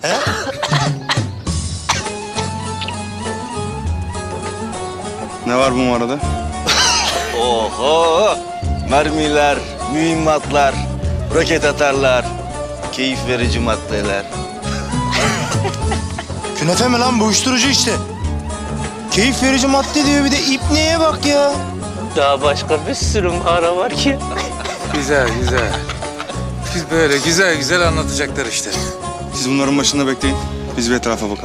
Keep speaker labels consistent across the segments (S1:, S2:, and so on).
S1: He?
S2: Ne var bu arada?
S3: Oho! Mermiler, mühimmatlar, roket atarlar, keyif verici maddeler.
S1: Künefe mi lan bu uyuşturucu işte. Keyif verici madde diyor bir de ipneye bak ya.
S4: Daha başka bir sürü mağara var ki.
S5: Güzel güzel. Biz böyle güzel güzel anlatacaklar işte.
S2: Siz bunların başında bekleyin. Biz bir etrafa bakalım.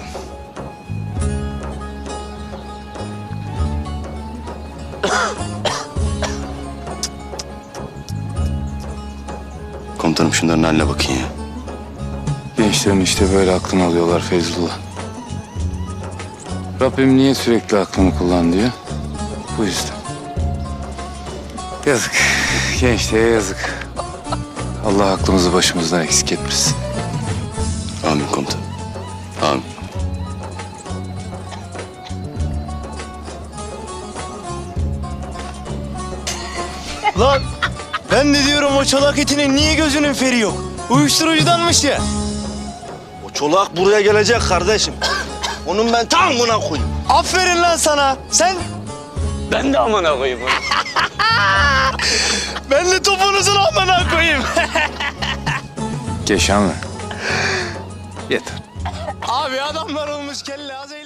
S6: Komutanım şunların haline bakın ya.
S5: Gençlerin işte böyle aklını alıyorlar Feyzullah. Rabbim niye sürekli aklını kullan diyor? Bu yüzden. Yazık. Gençliğe yazık. Allah aklımızı başımızdan eksik etmesin.
S6: Amin komutanım. Amin.
S1: Lan ben de diyorum o çolak etinin niye gözünün feri yok? Uyuşturucudanmış ya.
S3: O çolak buraya gelecek kardeşim. Onun ben tamamına koyayım.
S1: Aferin lan sana. Sen
S4: Ben de amına koyayım onu.
S1: ben de topunuzun amına koyayım.
S5: Keşan mı? Yeter.
S1: Abi adamlar olmuş kelle az eğlen.